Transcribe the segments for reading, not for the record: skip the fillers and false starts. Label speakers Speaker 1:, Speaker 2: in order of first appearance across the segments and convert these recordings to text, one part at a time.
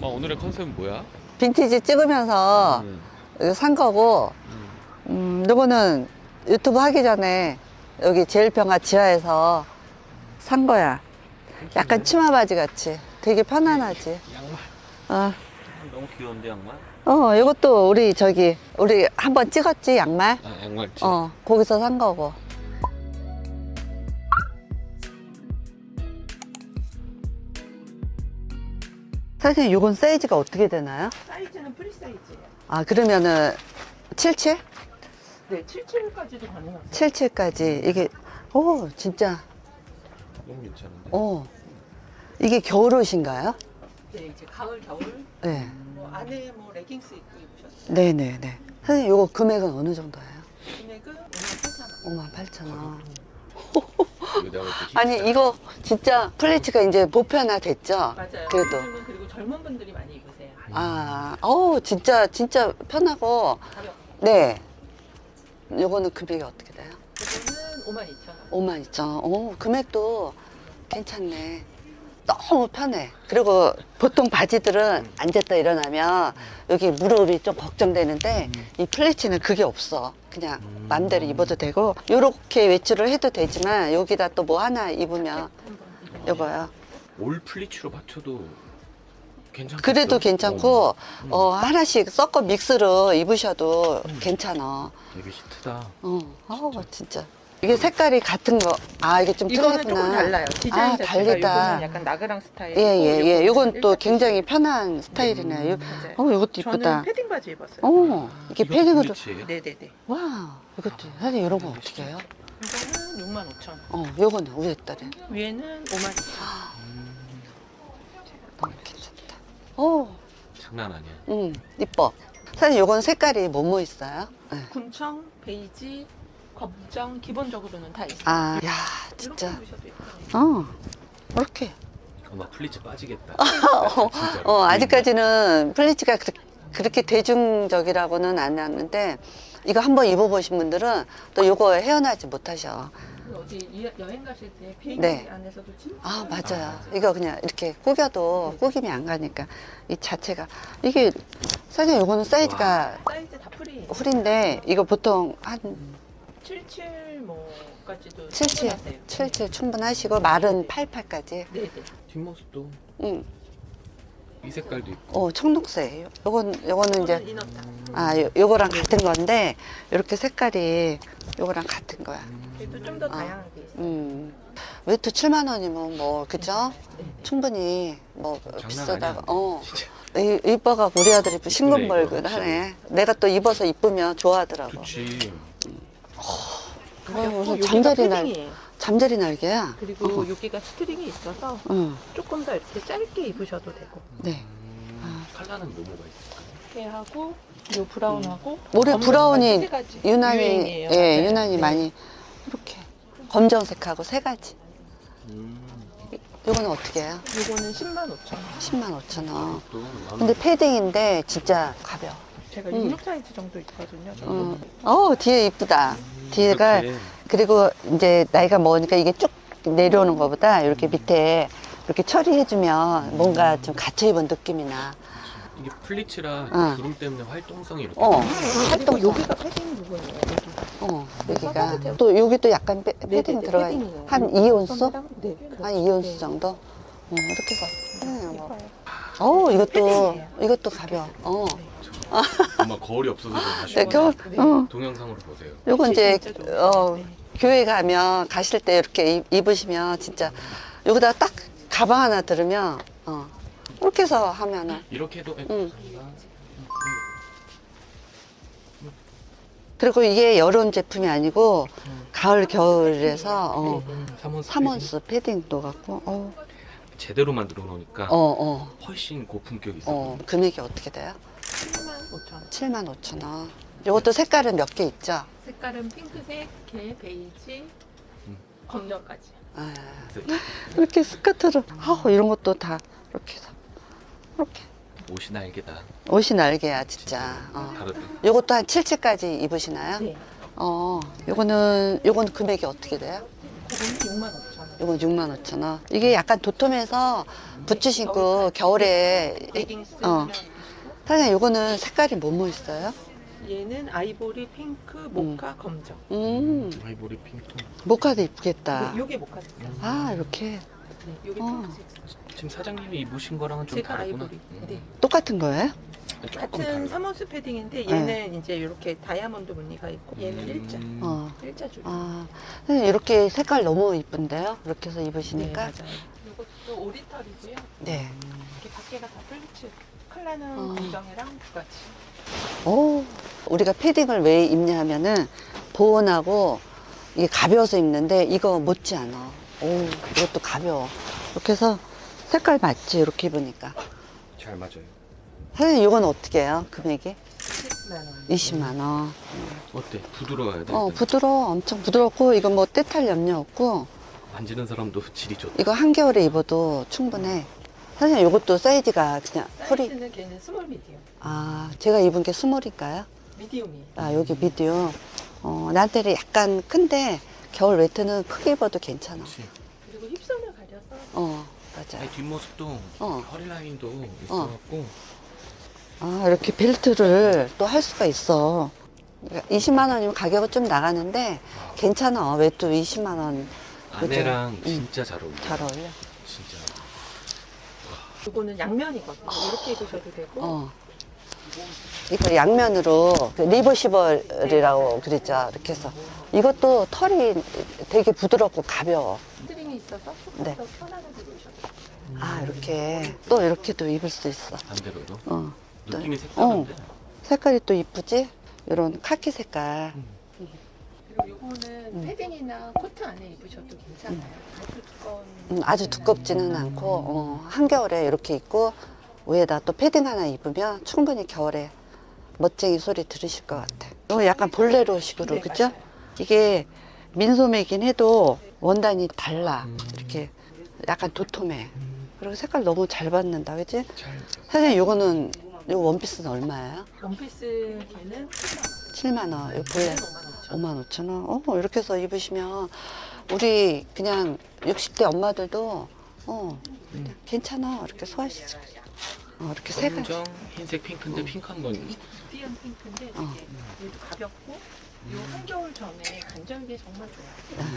Speaker 1: 엄마 오늘의 컨셉은 뭐야?
Speaker 2: 빈티지 찍으면서 이거 산 거고, 요거는 유튜브 하기 전에 여기 제일평화 지하에서 산 거야. 약간 치마 바지 같이. 되게 편안하지.
Speaker 1: 양말.
Speaker 2: 어,
Speaker 1: 너무 귀여운데 양말?
Speaker 2: 요것도 우리 한번 찍었지, 양말?
Speaker 1: 아 양말지.
Speaker 2: 거기서 산 거고. 선생님, 요건 사이즈가 어떻게 되나요?
Speaker 3: 사이즈는 프리 사이즈예요.
Speaker 2: 아, 그러면은 77?
Speaker 3: 네, 77까지도 가능하세요.
Speaker 2: 77까지. 이게, 진짜,
Speaker 1: 너무 괜찮은데?
Speaker 2: 이게 겨울옷인가요?
Speaker 3: 네, 이제 가을, 겨울
Speaker 2: 네.
Speaker 3: 뭐 안에 뭐 레깅스 입고 입으셨어요.
Speaker 2: 네네네. 선생님, 요거 금액은 어느 정도예요?
Speaker 3: 금액은 58,000원.
Speaker 2: 58,000원.
Speaker 1: 이거 내가 볼때
Speaker 2: 아니, 이거 진짜 플리츠가 이제 보편화 됐죠?
Speaker 3: 맞아요.
Speaker 2: 그래도.
Speaker 3: 요즘은 그리고 젊은 분들이 많이 입으세요.
Speaker 2: 진짜 편하고.
Speaker 3: 가볍고.
Speaker 2: 네. 요거는 금액이 어떻게 돼요?
Speaker 3: 이거는 52,000원.
Speaker 2: 52,000원. 금액도 괜찮네. 너무 편해. 그리고 보통 바지들은 앉았다 일어나면 여기 무릎이 좀 걱정되는데 이 플리츠는 그게 없어. 그냥 마음대로 입어도 되고 요렇게 외출을 해도 되지만 여기다 또 뭐 하나 입으면 요거요.
Speaker 1: 올 플리츠로 맞춰도 괜찮겠죠?
Speaker 2: 그래도 괜찮고 하나씩 섞어 믹스로 입으셔도 괜찮아.
Speaker 1: 되게 히트다.
Speaker 2: 진짜. 이게 색깔이 같은 거. 이게 좀
Speaker 3: 이거는
Speaker 2: 틀리구나.
Speaker 3: 조금 달라요. 디자인 자체가
Speaker 2: 다르다.
Speaker 3: 이거는 약간 나그랑 스타일.
Speaker 2: 예. 요건 또 굉장히 편한 스타일이네요.
Speaker 3: 맞아요.
Speaker 2: 이것도 이쁘다.
Speaker 3: 저는 패딩 바지 입었어요.
Speaker 2: 이게
Speaker 1: 이것도
Speaker 2: 패딩으로.
Speaker 1: 플리츠예요?
Speaker 3: 네네네.
Speaker 2: 와, 이것도. 사실 이런 거 어떻게 해요?
Speaker 3: 이거는 65,000원.
Speaker 2: 요거는 위에 딸에.
Speaker 3: 위에는 52,000원.
Speaker 2: 너무 괜찮다.
Speaker 1: 장난 아니야.
Speaker 2: 이뻐. 사실 요건 색깔이 뭐뭐 있어요? 네.
Speaker 3: 군청, 베이지, 검정 기본적으로는 다 있어요.
Speaker 2: 야,
Speaker 3: 이렇게
Speaker 2: 진짜.
Speaker 3: 입으셔도 예뻐요.
Speaker 2: 이렇게.
Speaker 1: 엄마 플리츠 빠지겠다.
Speaker 2: 아직까지는 플리츠가 그렇게 대중적이라고는 안 하는데, 이거 한번 입어보신 분들은 또 요거 헤어나지 못하셔.
Speaker 3: 어디 여행 가실 때 비행기
Speaker 2: 네.
Speaker 3: 안에서도 진짜
Speaker 2: 맞아요. 이거 그냥 이렇게 꾸겨도 꾸김이 안 가니까 이 자체가 이게 사실 요거는 사이즈가
Speaker 3: 사이즈 다 프리.
Speaker 2: 훌인데 이거 보통 한
Speaker 3: 77 뭐까지도
Speaker 2: 77,
Speaker 3: 충분하세요.
Speaker 2: 77 충분하시고 말은 88까지.
Speaker 3: 네네.
Speaker 1: 뒷모습도
Speaker 2: 응.
Speaker 1: 이 색깔도 있고.
Speaker 2: 청록색. 요거는 이제
Speaker 3: 이너다.
Speaker 2: 요거랑 같은 건데 이렇게 색깔이 요거랑 같은 거야.
Speaker 3: 그래도 좀 더 다양하게 있어요.
Speaker 2: 외투 7만 원이면 뭐 그죠?
Speaker 3: 네.
Speaker 2: 충분히 뭐
Speaker 1: 장난
Speaker 2: 비싸다가
Speaker 1: 아니야. 진짜.
Speaker 2: 이뻐갖고 우리 아들이
Speaker 1: 이거
Speaker 2: 싱글벙글하네. 내가 또 입어서 이쁘면 좋아하더라고.
Speaker 1: 좋지.
Speaker 2: 무슨
Speaker 3: 여기가 패딩이에요.
Speaker 2: 잠자리 날개야.
Speaker 3: 그리고 여기가 스트링이 있어서
Speaker 2: 응.
Speaker 3: 조금 더 이렇게 짧게 입으셔도 되고.
Speaker 2: 네.
Speaker 1: 컬러는 뭐가 있을까요?
Speaker 3: 이렇게 하고 요 브라운하고
Speaker 2: 올해
Speaker 3: 검은
Speaker 2: 브라운이
Speaker 3: 세 가지
Speaker 2: 유난히
Speaker 3: 유행이에요.
Speaker 2: 예,
Speaker 3: 맞아요.
Speaker 2: 유난히
Speaker 3: 네.
Speaker 2: 많이 이렇게 검정색하고 세 가지. 요거는 어떻게 해요?
Speaker 3: 요거는 105,000원.
Speaker 2: 105,000원.
Speaker 1: 또
Speaker 2: 근데 패딩인데 진짜 가벼워.
Speaker 3: 제가 66 사이즈 정도 있거든요. 저는.
Speaker 2: 뒤에 이쁘다. 뒤에가
Speaker 1: 이렇게.
Speaker 2: 그리고 이제 나이가 먹으니까 이게 쭉 내려오는 것보다 이렇게 밑에 이렇게 처리해주면 뭔가 좀 갇혀 입은 느낌이 나.
Speaker 1: 이게 플리츠라
Speaker 2: 어.
Speaker 1: 구름 때문에 활동성이 이렇게.
Speaker 3: 그리고
Speaker 2: 활동성.
Speaker 3: 여기가 패딩 부분이에요. 여기가.
Speaker 2: 여기가 또 여기도 약간 패딩
Speaker 3: 네네네,
Speaker 2: 들어가
Speaker 3: 패딩이에요.
Speaker 2: 있는 한 2온수?
Speaker 3: 네.
Speaker 2: 한 2온수 정도? 이렇게 해서.
Speaker 3: 예뻐요.
Speaker 2: 이것도 가벼워.
Speaker 1: 엄마 거울이 없어서 좀
Speaker 2: 네,
Speaker 1: 아쉬워.
Speaker 2: 겨울,
Speaker 3: 네.
Speaker 1: 동영상으로 보세요.
Speaker 2: 요거 이제,
Speaker 3: 진짜 좋아요. 네.
Speaker 2: 교회 가면 가실 때 이렇게 입으시면 진짜 여기다 딱 가방 하나 들으면, 이렇게 해서 하면은.
Speaker 1: 이렇게 해도.
Speaker 2: 그리고 이게 여름 제품이 아니고 가을, 겨울에서, 3온스 패딩도 갖고,
Speaker 1: 제대로 만들어 놓으니까 훨씬 고품격이 있어.
Speaker 2: 금액이 어떻게 돼요?
Speaker 3: 75,000원.
Speaker 2: 75,000원. 요것도 색깔은 몇 개 있죠?
Speaker 3: 색깔은 핑크색, 게, 베이지, 검정까지.
Speaker 2: 이렇게 스커트를, 이런 것도 다 이렇게 해서. 이렇게.
Speaker 1: 옷이 날개다.
Speaker 2: 옷이 날개야, 진짜.
Speaker 1: 다르다.
Speaker 2: 요것도 한 77까지 입으시나요?
Speaker 3: 네.
Speaker 2: 요거는 금액이 어떻게 돼요?
Speaker 3: 이거는 6만 5천 원.
Speaker 2: 이건 65,000원. 이게 약간 도톰해서 부츠 신고 겨울에
Speaker 3: 레깅스
Speaker 2: 어. 사장님 이거는 색깔이 뭐뭐 있어요?
Speaker 3: 얘는 아이보리, 핑크, 모카, 검정.
Speaker 1: 아이보리 핑크.
Speaker 2: 모카도 이쁘겠다.
Speaker 3: 요게 모카 색깔.
Speaker 2: 아 이렇게
Speaker 3: 네, 요게
Speaker 2: 어.
Speaker 3: 핑크 색깔.
Speaker 1: 지금 사장님이 입으신 거랑은 좀
Speaker 3: 제가
Speaker 1: 다르구나.
Speaker 3: 아이보리. 네.
Speaker 2: 똑같은 거예요?
Speaker 1: 조금
Speaker 3: 같은
Speaker 1: 달라.
Speaker 3: 사모스 패딩인데 얘는 이제 이렇게 다이아몬드 무늬가 있고 얘는 일자. 일자 줄.
Speaker 2: 아 선생님 이렇게 색깔 너무 이쁜데요? 이렇게 해서 입으시니까.
Speaker 3: 맞아요. 이것도 오리털이고요.
Speaker 2: 네.
Speaker 3: 이렇게 밖에가 다 플리츠. 컬러는 검정이랑 두 가지.
Speaker 2: 오, 우리가 패딩을 왜 입냐면은 보온하고 이게 가벼워서 입는데 이거 못지 않아. 오, 이것도 가벼워. 이렇게 해서 색깔 맞지? 이렇게 입으니까.
Speaker 1: 잘 맞아요.
Speaker 2: 사장님 이건 어떻게 해요? 금액이?
Speaker 3: 10만 원.
Speaker 2: 20만 원.
Speaker 1: 어때? 부드러워야 돼.
Speaker 2: 부드러워. 엄청 부드럽고 이거 뭐 때탈 염려 없고
Speaker 1: 만지는 사람도 질이 좋다.
Speaker 2: 이거 한겨울에 입어도 충분해. 사장님 이것도 사이즈가 그냥 허리.
Speaker 3: 사이즈는 걔는 스몰 미디움.
Speaker 2: 아, 제가 입은 게 스몰인가요?
Speaker 3: 미디움이에요.
Speaker 2: 아, 여기 미디움. 나한테는 약간 큰데 겨울 웨트는 크게 입어도 괜찮아.
Speaker 1: 그렇지.
Speaker 3: 그리고 힙선을 가려서
Speaker 2: 맞아.
Speaker 1: 아니, 뒷모습도
Speaker 2: 어.
Speaker 1: 허리 라인도 있어갖고
Speaker 2: 아, 이렇게 벨트를 또 할 수가 있어. 20만 원이면 가격은 좀 나가는데 괜찮아. 웨트 20만 원.
Speaker 1: 아내랑 진짜 잘 어울려.
Speaker 2: 잘 어울려.
Speaker 1: 진짜.
Speaker 3: 이거는 양면이거든요. 이렇게 입으셔도 되고.
Speaker 2: 이거 양면으로 그 리버시벌이라고 그랬죠. 이렇게 해서 이것도 털이 되게 부드럽고 가벼워.
Speaker 3: 스트링이 있어서 조금
Speaker 2: 네.
Speaker 3: 더 편안하게 입으셔도 돼요.
Speaker 2: 아, 이렇게 또 이렇게도 입을 수 있어.
Speaker 1: 반대로도.
Speaker 2: 어.
Speaker 1: 느낌이 색다른데.
Speaker 2: 색깔이 또 이쁘지? 이런 카키 색깔.
Speaker 3: 그리고 이거는 패딩이나 코트 안에 입으셔도 괜찮아요. 아주 두꺼운.
Speaker 2: 아주 두껍지는 않고 한겨울에 이렇게 입고 위에다 또 패딩 하나 입으면 충분히 겨울에 멋쟁이 소리 들으실 것 같아. 이거 약간 볼레로식으로
Speaker 3: 네,
Speaker 2: 그죠?
Speaker 3: 맞아요.
Speaker 2: 이게 민소매긴 해도 원단이 달라. 이렇게 약간 도톰해. 그리고 색깔 너무 잘 받는다, 그지?
Speaker 1: 잘.
Speaker 2: 사장님 요거는 요 원피스는 얼마예요?
Speaker 3: 원피스 걔는
Speaker 2: 7만 원. 요 볼레
Speaker 3: 5만 5천 원.
Speaker 2: 5만 5천 원. 이렇게 해서 입으시면 우리 그냥 60대 엄마들도 그냥 괜찮아. 이렇게 소화시키고. 이렇게 색깔.
Speaker 1: 검정, 흰색, 핑크인데 핑크한 건
Speaker 3: 띠한 핑크인데 되게 얘도 가볍고 요 한겨울 전에 간절기에 정말 좋아요.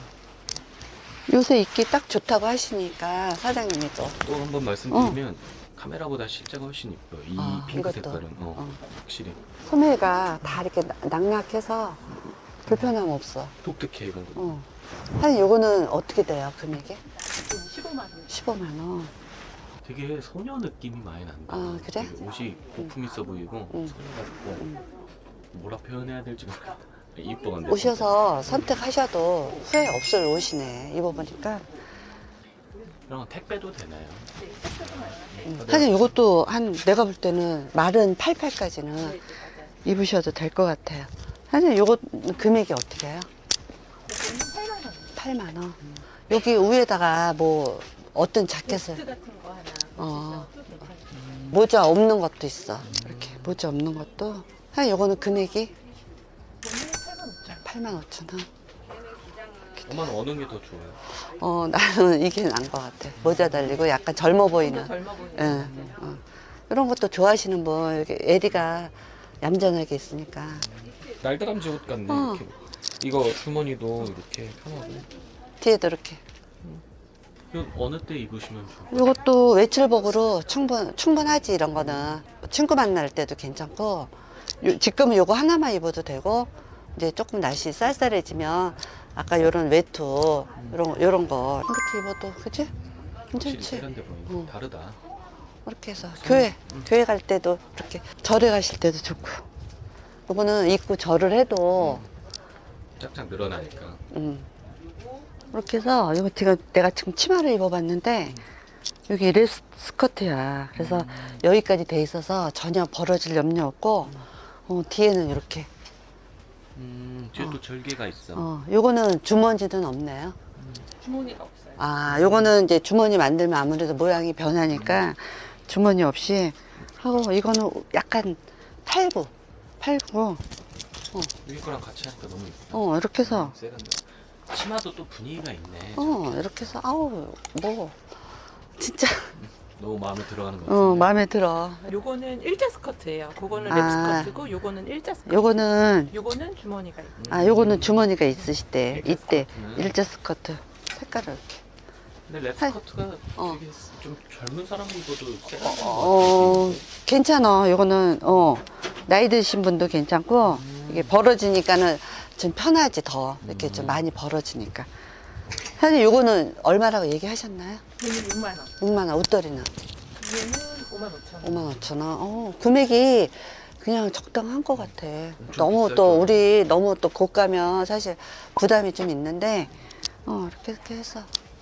Speaker 2: 요새 입기 딱 좋다고 하시니까 사장님이 또.
Speaker 1: 또 한 번 말씀드리면 카메라보다 실제가 훨씬 이뻐요. 이 핑크
Speaker 2: 이것도.
Speaker 1: 색깔은 확실히
Speaker 2: 소매가 다 이렇게 낙낙해서 불편함 없어.
Speaker 1: 독특해 이건.
Speaker 2: 사장님 요거는 어떻게 돼요, 금액이?
Speaker 3: 15만 원.
Speaker 2: 15만 원.
Speaker 1: 되게 소녀 느낌이 많이 난다.
Speaker 2: 아, 그래?
Speaker 1: 되게 옷이 고품 있어 보이고 소녀 같고 뭐라 표현해야 될지 모르겠다. 이뻐 근데.
Speaker 2: 오셔서 선택하셔도 후회 없을 옷이네. 입어보니까.
Speaker 1: 그럼 택배도 되나요?
Speaker 2: 사실 이것도 내가 볼 때는 마른 88까지는 입으셔도 될 것 같아요. 사실 이거 금액이 어떻게 해요?
Speaker 3: 8만 원.
Speaker 2: 8만 원. 여기 위에다가 뭐 어떤 자켓을
Speaker 3: 베스트 같은 거 하나
Speaker 2: 어.
Speaker 3: 붙이셔도 괜찮아요.
Speaker 2: 모자 없는 것도 있어. 이렇게 모자 없는 것도. 사실 이거는 금액이 8만 5천 원.
Speaker 1: 엄마는 어느 게 더 좋아요?
Speaker 2: 나는 이게 나은 것 같아. 모자 달리고 약간 젊어 보이는.
Speaker 3: 젊어 보이는
Speaker 2: 예,
Speaker 3: 것 같아요.
Speaker 2: 이런 것도 좋아하시는 분, 이렇게 에리가 얌전하게 있으니까.
Speaker 1: 날다람쥐 옷 같네. 이렇게. 이거 주머니도 이렇게 편하고.
Speaker 2: 뒤에도 이렇게.
Speaker 1: 이거 어느 때 입으시면 좋아요?
Speaker 2: 이것도 외출복으로 충분하지, 이런 거는. 친구 만날 때도 괜찮고, 지금은 요거 하나만 입어도 되고, 이제 조금 날씨 쌀쌀해지면, 아까 요런 외투, 요런 거, 이렇게 입어도, 그치?
Speaker 1: 확실히
Speaker 2: 괜찮지?
Speaker 1: 세련돼 보이네. 다르다.
Speaker 2: 이렇게 해서 교회 갈 때도 이렇게 절에 가실 때도 좋고. 이거는 입고 절을 해도,
Speaker 1: 짝짝 늘어나니까.
Speaker 2: 이렇게 해서 이거 내가 지금 치마를 입어봤는데 여기 레스 스커트야. 그래서 여기까지 돼 있어서 전혀 벌어질 염려 없고 뒤에는 이렇게.
Speaker 1: 뒤에 또 절개가 있어.
Speaker 2: 요거는 주머니는 없네요.
Speaker 3: 주머니가 없어요.
Speaker 2: 아, 요거는 이제 주머니 만들면 아무래도 모양이 변하니까 주머니 없이 하고 이거는 약간 팔고
Speaker 1: 위에 거랑 같이 하니까 너무 이쁘다.
Speaker 2: 이렇게 해서
Speaker 1: 세련돼. 치마도 또 분위기가 있네.
Speaker 2: 이렇게 해서 아우 뭐 진짜
Speaker 1: 너무 마음에 들어가는 거 같은데.
Speaker 2: 마음에 들어.
Speaker 3: 요거는 일자 스커트예요. 그거는 랩
Speaker 2: 아.
Speaker 3: 스커트고 요거는 일자 스커트.
Speaker 2: 요거는
Speaker 3: 주머니가 있고.
Speaker 2: 요거는 주머니가 있으시대.
Speaker 1: 일자
Speaker 2: 이때
Speaker 1: 스커트는?
Speaker 2: 일자 스커트 색깔을 이렇게.
Speaker 1: 근데 랩스커트가 되게 좀 젊은 사람 입어도 세련된 것 같아.
Speaker 2: 괜찮아. 요거는 나이 드신 분도 괜찮고 이게 벌어지니까는 좀 편하지 더 이렇게 좀 많이 벌어지니까. 사장님 요거는 얼마라고 얘기하셨나요?
Speaker 3: 얘는 6만 원.
Speaker 2: 6만 원. 옷걸이는
Speaker 3: 얘는 5만 5천 원.
Speaker 2: 5만 5천 원. 금액이 그냥 적당한 것 같아.
Speaker 1: 좀
Speaker 2: 너무
Speaker 1: 비싸죠.
Speaker 2: 또 우리 너무 또 고가면 사실 부담이 좀 있는데 이렇게 해서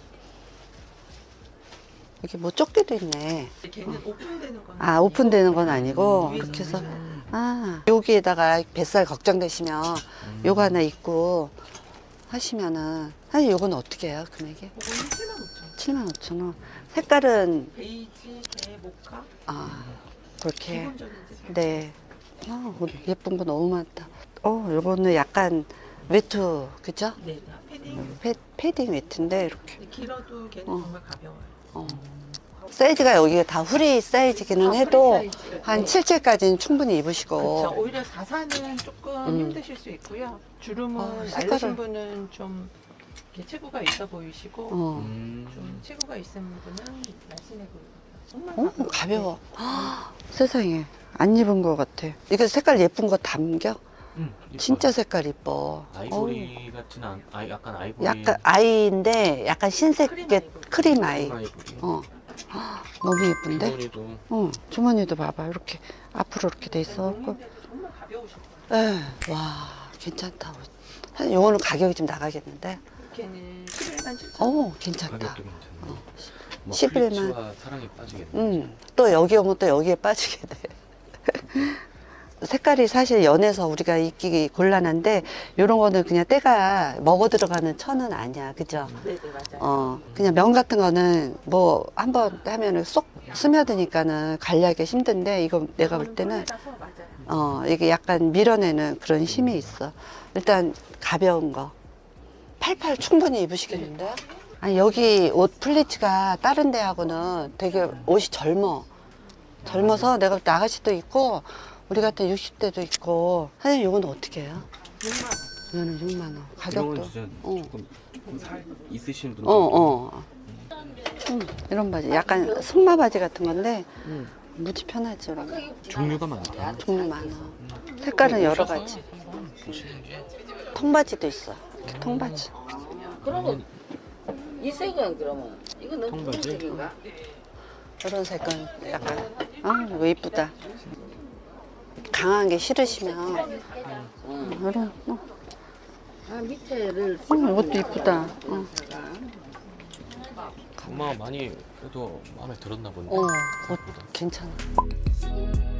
Speaker 2: 이게 뭐 조끼도 있네.
Speaker 3: 걔는 오픈되는 건
Speaker 2: 오픈되는 건 아니고
Speaker 3: 위에서
Speaker 2: 이렇게 해서
Speaker 3: 쓰시면
Speaker 2: 여기에다가 뱃살 걱정되시면 요거 하나 입고 하시면은 사실 요거는 어떻게 해요 금액이?
Speaker 3: 그거는 7만 5천 원.
Speaker 2: 7만 5천 원. 색깔은
Speaker 3: 베이지, 개, 모카.
Speaker 2: 그렇게
Speaker 3: 기본적인 색깔.
Speaker 2: 네. 예쁜 거 너무 많다. 요거는 약간 외투 그죠?
Speaker 3: 네, 패딩.
Speaker 2: 패딩 외투인데 이렇게
Speaker 3: 근데 길어도 걔는 정말 가벼워요.
Speaker 2: 사이즈가 여기가 다 후리 사이즈기는 해도
Speaker 3: 프리 사이즈.
Speaker 2: 한 7째까지는 충분히 입으시고
Speaker 3: 그렇죠. 오히려 4사는 조금 힘드실 수 있고요. 주름은
Speaker 2: 색깔을.
Speaker 3: 날리신 분은 좀 이렇게 체구가 있어 보이시고 좀 체구가 있는 분은 날씬해 보이고. 정말
Speaker 2: 가벼워. 세상에 안 입은 것 같아. 이거 색깔 예쁜 거 담겨? 진짜 색깔 이뻐.
Speaker 1: 아이보리 같진 않. 약간 아이보리.
Speaker 2: 약간 아이인데 약간 신세계 크림 아이.
Speaker 1: 아이보리.
Speaker 2: 너무 예쁜데?
Speaker 1: 주머니도
Speaker 2: 주머니도 봐봐. 이렇게 앞으로 이렇게 돼 있어갖고.
Speaker 3: 용인데도 정말 가벼우실 거예요.
Speaker 2: 와 괜찮다. 사실 요거는 가격이 좀 나가겠는데?
Speaker 3: 걔는 11만 7천 원.
Speaker 2: 괜찮다.
Speaker 1: 가격도 괜찮네. 뭐
Speaker 2: 11만.
Speaker 1: 플리츠와 사랑에 빠지겠네.
Speaker 2: 또 여기 오면 또 여기에 빠지게 돼. 색깔이 사실 연해서 우리가 입기 곤란한데 요런 거는 그냥 때가 먹어 들어가는 천은 아니야. 그죠?
Speaker 3: 네네 맞아요.
Speaker 2: 그냥 면 같은 거는 뭐 한번 하면은 쏙 스며드니까는 관리하기 힘든데 이거 내가 볼 때는
Speaker 3: 폴라라서 맞아요.
Speaker 2: 이게 약간 밀어내는 그런 힘이 있어. 일단 가벼운 거. 88 충분히 입으시겠는데? 아니 여기 옷 플리츠가 다른 데하고는 되게 옷이 젊어서 내가 볼 때 아가씨도 있고 우리 같은 60대도 있고. 사장님 이거는 어떻게 해요?
Speaker 3: 6만 원.
Speaker 2: 이거는 6만 원.
Speaker 1: 이런
Speaker 2: 가격도.
Speaker 1: 건 진짜 조금 살 있으신 분들.
Speaker 2: 이런 바지 약간 승마 바지 같은 건데 무지 편하지. 이런 거.
Speaker 1: 종류가 많다.
Speaker 2: 종류 많아. 색깔은 여러 가지.
Speaker 1: 보시는 게.
Speaker 2: 통바지도 있어. 이렇게 통바지.
Speaker 4: 그러면 이 색은 그러면 이거는
Speaker 1: 통바지?
Speaker 4: 색인가?
Speaker 2: 이런 색깔 약간 이거 이쁘다. 강한 게 싫으시면 이런
Speaker 4: 밑에를
Speaker 2: 이것도 이쁘다.
Speaker 1: 엄마가 많이 그래도 마음에 들었나 본데.
Speaker 2: 옷 괜찮아.